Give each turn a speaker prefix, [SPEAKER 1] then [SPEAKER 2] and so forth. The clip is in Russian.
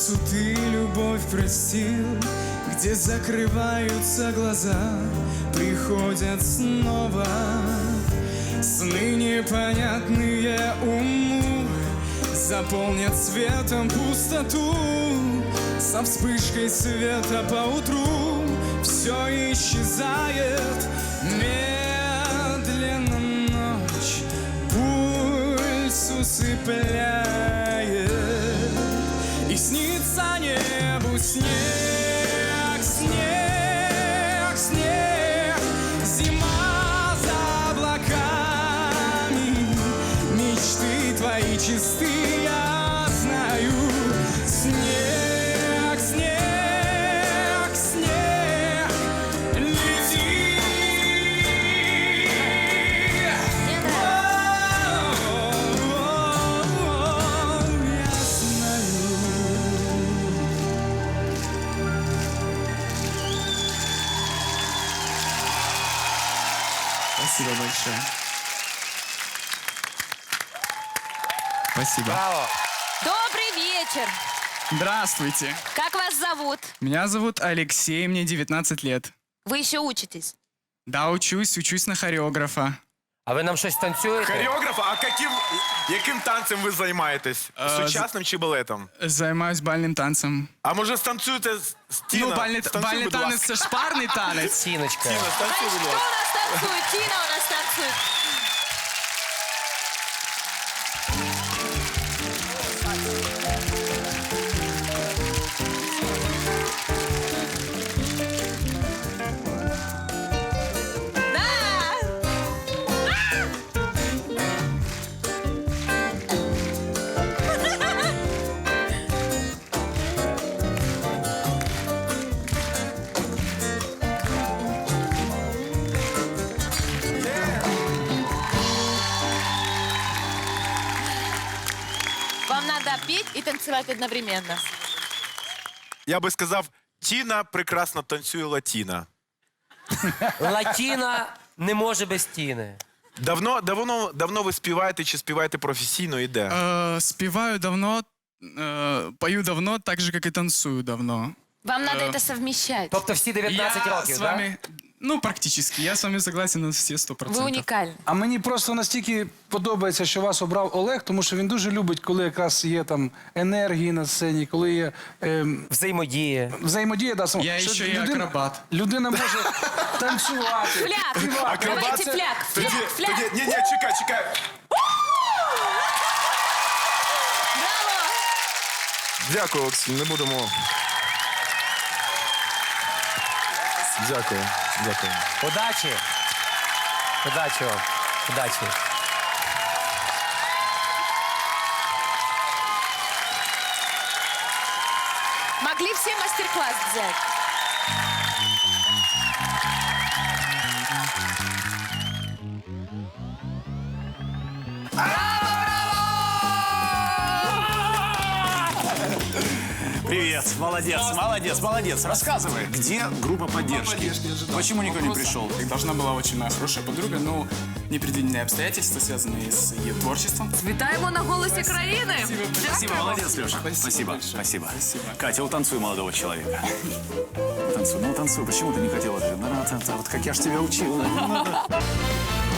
[SPEAKER 1] сердцу ты любовь простил, где закрываются глаза, приходят снова сны непонятные уму, заполнят светом пустоту. Со вспышкой света поутру все исчезает медленно, ночь пульс усыпляет, и снится небу снег, снег, снег. Зима за облаками, мечты твои чисты, я знаю. Снег, снег, снег, лети. Я знаю. Спасибо большое. Спасибо.
[SPEAKER 2] Браво!
[SPEAKER 3] Добрый вечер.
[SPEAKER 1] Здравствуйте.
[SPEAKER 3] Как вас зовут?
[SPEAKER 1] Меня зовут Алексей, мне 19 лет.
[SPEAKER 3] Вы еще учитесь?
[SPEAKER 1] Да, учусь на хореографа.
[SPEAKER 2] А ви нам щось танцюєте?
[SPEAKER 4] Хореограф, а яким танцем ви займаєтесь? Сучасним чи балетом?
[SPEAKER 1] Займаюсь бальним танцем.
[SPEAKER 4] А може станцюєте Тіна?
[SPEAKER 1] Ну, бальний
[SPEAKER 4] Станцюй, будь
[SPEAKER 1] танець
[SPEAKER 4] ласка.
[SPEAKER 1] це ж парний танець.
[SPEAKER 2] Тіночка.
[SPEAKER 4] Тіна, станцюй,
[SPEAKER 3] Кто
[SPEAKER 4] будь
[SPEAKER 3] у
[SPEAKER 4] ласка.
[SPEAKER 3] нас танцует? Тина у нас танцует. Да! Вам надо петь и танцевать одновременно.
[SPEAKER 4] Я би сказав, Тіна прекрасно танцює латіна.
[SPEAKER 2] Латіна не може без тіни.
[SPEAKER 4] Давно ви співаєте чи співаєте професійно і де?
[SPEAKER 1] Співаю давно, пою давно, так же, как и танцую давно.
[SPEAKER 3] Вам надо это совмещать.
[SPEAKER 2] Тобто всі 19
[SPEAKER 1] Я
[SPEAKER 2] років,
[SPEAKER 1] с
[SPEAKER 2] так?
[SPEAKER 1] вами, ну, практически, я с вами согласен на все 100%.
[SPEAKER 3] Вы уникальны.
[SPEAKER 5] А мені просто настільки подобається, що вас обрав Олег, тому що він дуже любить, коли якраз є там енергії на сцені, коли є
[SPEAKER 2] Взаємодія.
[SPEAKER 5] взаємодія. Да,
[SPEAKER 1] Я
[SPEAKER 5] що
[SPEAKER 1] ще й акробат.
[SPEAKER 5] Людина може танцювати.
[SPEAKER 3] Фляг!
[SPEAKER 5] співати.
[SPEAKER 3] Давайте фляг! Фляг! Фляг!
[SPEAKER 4] Ні, чекай.
[SPEAKER 3] Браво!
[SPEAKER 4] Дякую, Олексій, не будемо. Дякую.
[SPEAKER 2] Удачі! Удачі вам. Удачі.
[SPEAKER 3] Могли все мастер-класс взять.
[SPEAKER 6] Привет, молодец. Рассказывай, где группа поддержки? Почему никто не пришел?
[SPEAKER 1] Должна была очень моя хорошая подруга, но непредвиденные обстоятельства, связанные с ее творчеством.
[SPEAKER 7] Вітаємо на голосі країни.
[SPEAKER 6] Спасибо, молодец, Леша. Спасибо. Катя, утанцуй молодого человека. Утанцуй, почему ты не хотела? Вот как я ж тебя учил.